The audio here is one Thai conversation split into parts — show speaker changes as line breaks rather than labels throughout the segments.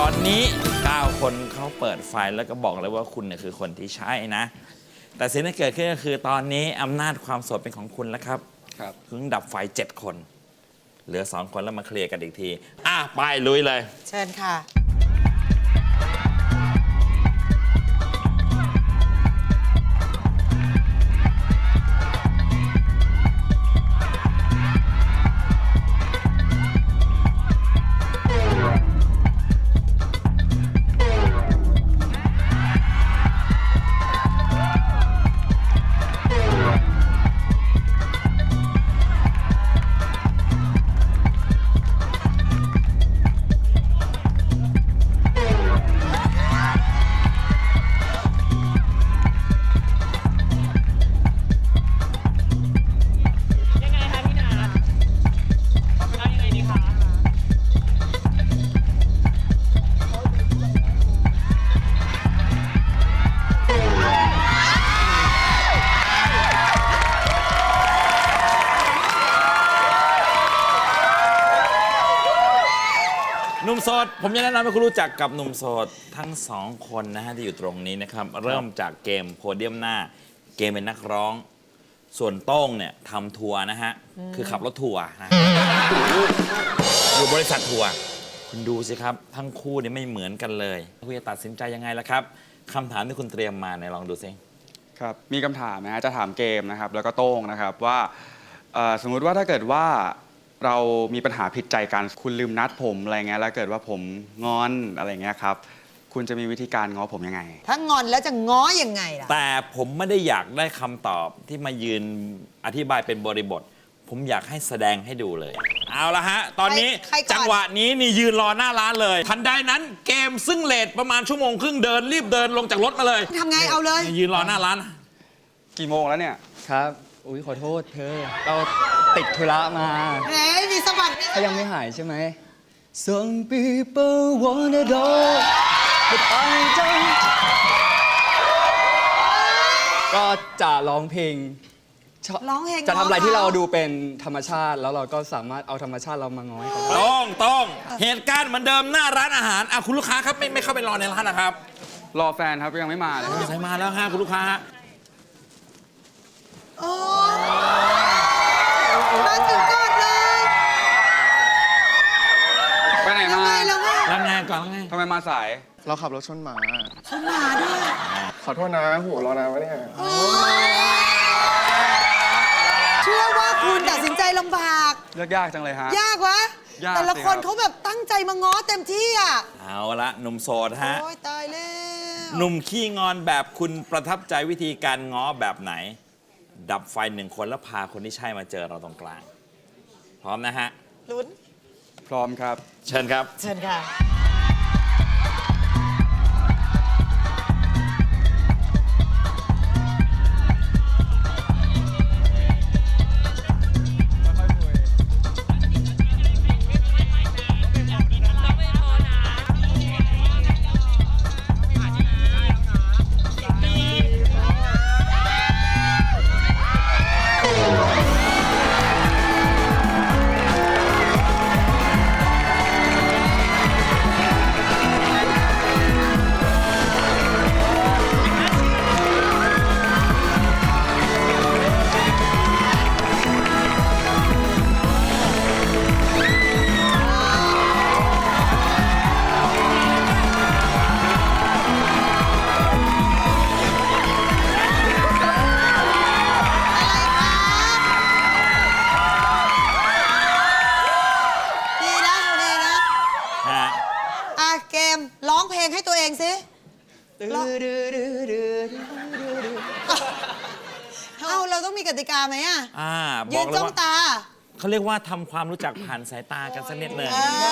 อนนี้9คนเขาเปิดไฟแล้วก็บอกเลยว่าคุณเนี่ยคือคนที่ใช่นะแต่สิ่งที่เกิดขึ้นก็คือตอนนี้อำนาจความโสดเป็นของคุณแล้วครับเพิ่งดับไฟ7 คนเหลือ2 คนแล้วมาเคลียร์กันอีกทีไปลุยเลย
เชิญค่ะ
หนุ่มโสดผมจะแนะนำให้คุณรู้จักกับหนุ่มโสดทั้ง2 คนนะฮะที่อยู่ตรงนี้นะครับเริ่มจากเกมโพเดียมหน้าเกมเป็นนักร้องส่วนโต้งเนี่ยทำทัวร์นะฮะคือขับรถทัวร์นะอยู่บริษัททัวร์คุณดูสิครับทั้งคู่นี่ไม่เหมือนกันเลยคุณจะตัดสินใจยังไงล่ะครับคำถามที่คุณเตรียมมาเนี่ยลองดูสิ
ครับมีคำถามนะฮะจะถามเกมนะครับแล้วก็โต้งนะครับว่าสมมุติว่าถ้าเกิดว่าเรามีปัญหาผิดใจกันคุณลืมนัดผมอะไรเงี้ยแล้วเกิดว่าผมงอนอะไรเงี้ยครับคุณจะมีวิธีการง้อผมยังไง
ถ้างอนแล้วจะง้อยังไงล่ะ
แต่ผมไม่ได้อยากได้คำตอบที่มายืนอธิบายเป็นบริบทผมอยากให้แสดงให้ดูเลยเอาละฮะตอนนี้จังหวะนี้นี่ยืนรอหน้าร้านเลยทันใดนั้นเกมซึ่งเลทประมาณ1 ชั่วโมงครึ่งเดินรีบเดินลงจากรถมาเลย
ทำไงเอาเลย
ยืนรอหน้าร้าน
กี่โมงแล้วเนี่ย
ครับอุ้ยขอโทษเธอเราติดธุระมา
แหมมีสวัสดิ์
เขายังไม่หายใช่ไหม Some people wanna know but I don't ก็จะร้องเพลงจะทำอะไรที่เราดูเป็นธรรมชาติแล้วเราก็สามารถเอาธรรมชาติเรามาง้อยเขา
ต้องเหตุการณ์เหมือนเดิมหน้าร้านอาหารคุณลูกค้าครับไม่เข้าไปรอในร้านนะครับ
รอแฟนครับยังไม่มาเลย
ใส่มาแล้วฮะคุณลูกค้าฮะ
มาถึงก่อนเลย
ไปไหนมา
ล้างงานก่อนล้างงาน
ทำไมมาสาย
เราขับรถชนหมา
ด้วย
ขอโทษนะโหรอนานวะเนี่ย
เชื่อว่าคุณตัดสินใจลำบาก
ยากจังเลยฮะ
ยากวะแต่ละคนเขาแบบตั้งใจมาง้อเต็มที่
เอาละหนุ่มโสดฮะ
โอ้ยตายแล้ว
หนุ่มขี้งอนแบบคุณประทับใจวิธีการง้อแบบไหนดับไฟ1 คนแล้วพาคนที่ใช่มาเจอเราตรงกลางพร้อมนะฮะ
ลุ้น
พร้อมครับ
เชิญครับ
เชิญค่ะเกมร้องเพลงให้ตัวเองสิเราต้องมีกติกาไหมยืนจ้องตา
เขาเรียกว่าทำความรู้จักผ่านสายตากันสักนิดหนึ่ง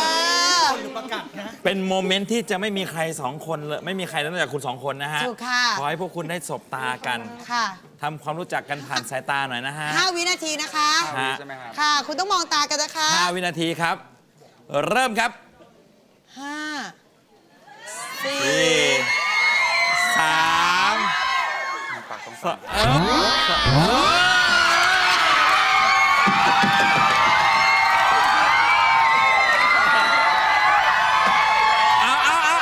เป็นโมเมนต์ที่จะไม่มีใคร2 คนเลยไม่มีใครนอกจากคุณ2 คนนะฮะขอให้พวกคุณได้สบตากันทำความรู้จักกันผ่านสายตาหน่อยนะฮะ
5 วินาทีนะคะค่ะคุณต้องมองตากันนะคะ
5 วินาทีครับเริ่มครับ
5 4
3 2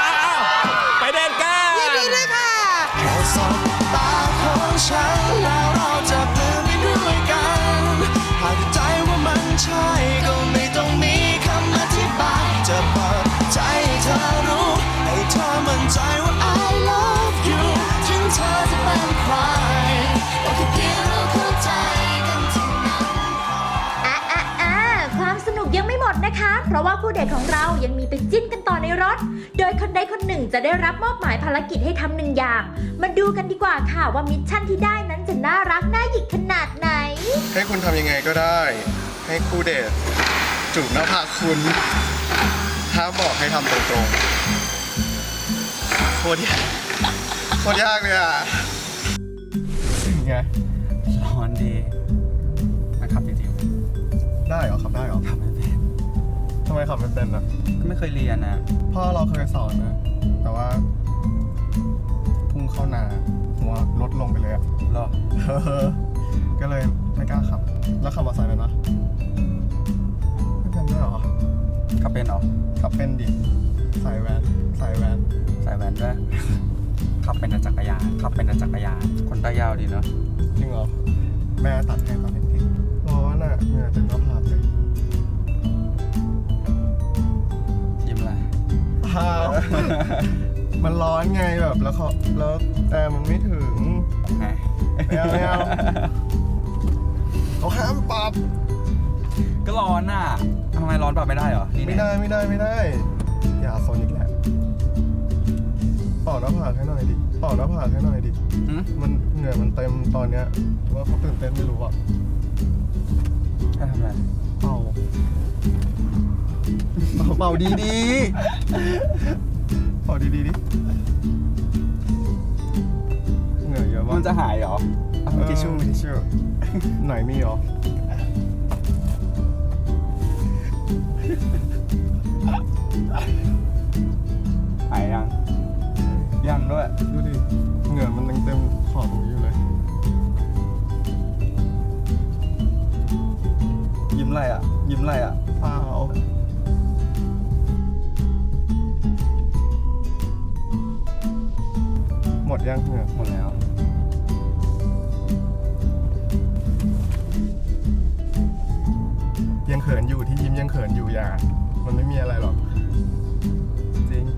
ดนะคะ เพราะว่าคู่เดทของเรายังมีไปจิ้นกันต่อในรถ โดยคนใดคนหนึ่งจะได้รับมอบหมายภารกิจให้ทำหนึ่งอย่าง มาดูกันดีกว่าค่ะว่ามิชชั่นที่ได้นั้นจะน่ารักน่าหยิกขนาดไหน
ให้คุณทำยังไงก็ได้ ให้คู่เดทจูบหน้าผากคุณถ้าบอกให้ทำตรงๆโคตรยากโคตรยากเลยอ่ะไง
ร้อนดีนะครับจริง
ได้เหรอขับได้เหรอ
ๆทำไม่เป็น
ทำไมขับไม่เป็นอ่ะ
ก็ไม่เคยเรียนนะ
พ่อเราเคยสอนนะ แต่ว่าพุ่งเข้านาหัวรถลงไปเลยอ่ะ
หรอ
ก็เลยไม่กล้าขับ แล้วขับมอเตอร์ไซค์เลยนะไม่เป็นด้วยเหรอ
ขับเป็นเหรอ
ขับเป็นดิใส่แวนใส่แวน
ใส่แว่นด้วย ขับเป็นแต่จักรยานขับเป็นแต่จักรยานคนตายาวดีเนาะ
จริงเหรอ แม่ตัดให้ตอนเด็กๆร้อนอ่ะเหงื่อเต็มหน้าผากเลย
ยิ้มอะไร
พามันร้อนไงแบบแล้วแต่มันไม่ถึง
ไง
ไม่เอาไม่เอาเขาห้ามปรับ
ก็ร้อนอ่ะทำไมร้อนปรับไม่ได้เหรอนี่
ไม่
เนี่ย
ได้ไม่ได้ไม่ได้ อย่าโซนอีกแล้วเป่าหน้าผากให้หน่อยดิเป่าหน้าผากให้หน่อยดิ
หืม
มันเหงื่อมันเต็มตอนเนี้ยว่าเขาตื่นเต้นไม่รู้อ่ะ
ให้ทำอะไร
เป่าเป่าดีดีเป่าดีดีดิเหงื่อเยอะมาก
มันจะหายเหรอเอามีทิชชู่มีทิชชู่
ไหนมีหรอ
หายยังยังด้วย
ดูดิเหงื่อมันยังเต็มขอบตรงนี้อยู่เลย
ยิ้มอะไรอ่ะยิ้มอะไรอ่ะ
เปล่าหมดยังเหงื่อ
หมดแล้ว
ยังเขินอยู่ที่ยิ้มยังเขินอยู่อย่ามันไม่มีอะไรหรอก จริง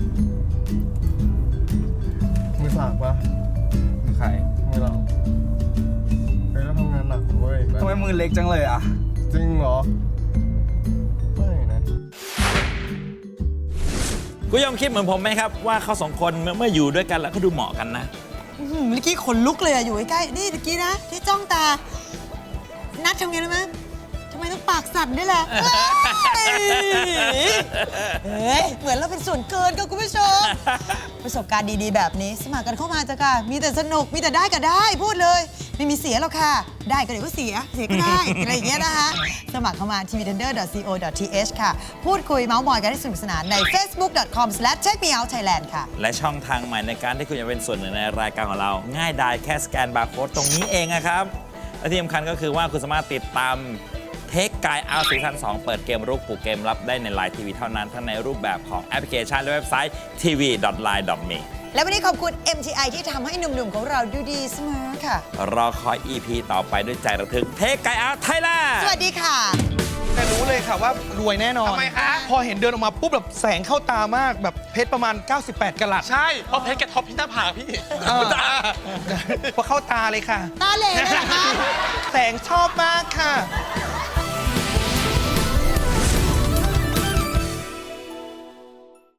มือสากปะ
มือใคร
มือเราเฮ้ยเราทำงานหนักเว้ย
ทำไมมือเล็กจังเลยอ่ะ
จริงเหรอ ไม่นะ
คุณยอมคิดเหมือนผมไหมครับว่าเขาสองคนเมื่ออยู่ด้วยกันแล้วเขาดูเหมาะกันนะ
เมื่อกี้ขนลุกเลยอะอยู่ใกล้ๆนี่เมื่อกี้นะ ที่จ้องตา นัดทำไงรู้ไหมทำไมต้องปากสั่นด้วยล่ะเฮ้ยเหมือนเราเป็นส่วนเกินกับคุณผู้ชม ประสบการณ์ดีๆ แบบนี้สมัครกันเข้ามาจ้ะค่ะ มีแต่สนุกมีแต่ได้ก็ได้พูดเลย ไม่มีเสียหรอกค่ะ ได้ก็เดี๋ยวก็เสียก็ได้ อะไรอย่างเงี้ยนะคะสมัครเข้ามา tvtender.co.th ค่ะ พูดคุยเมาส์มอยกันให้สนุกสนานใน facebook.com/checkmeoutthailand ค่ะ
และช่องทางใหม่ในการที่คุณจะเป็นส่วนหนึ่งในรายการของเรา ง่ายดายแค่สแกนบาร์โค้ดตรงนี้เองนะครับ และที่สำคัญก็คือว่าคุณสามารถติดตามเทคกายเอาซีซั่น2เปิดเกมรุกปลูกเกมรับได้ในไลน์ทีวีเท่านั้นทั้งในรูปแบบของแอปพลิเคชันและเว็บไซต์ tv.line.me
และวันนี้ขอบคุณ MTI ที่ทำให้หนุ่มๆของเราดูดีเสมอค่ะ
รอคอย EP ต่อไปด้วยใจระทึกเทคกายเอาไทยแลนด์
สวัสดีค่ะ
แต่รู้เลยค่ะว่ารวยแน่นอน
ทำไมคะ
พอเห็นเดินออกมาปุ๊บแบบแสงเข้าตามากแบบเพชรประมาณ 98กะรัต
ใช่ เพราะเพชรแกท็อปที่หน้าผากพี่
เออ พอเข้าตาเลยค่ะ
ตาเหล่เลยเหรอคะ
แสงชอบมากค่ะ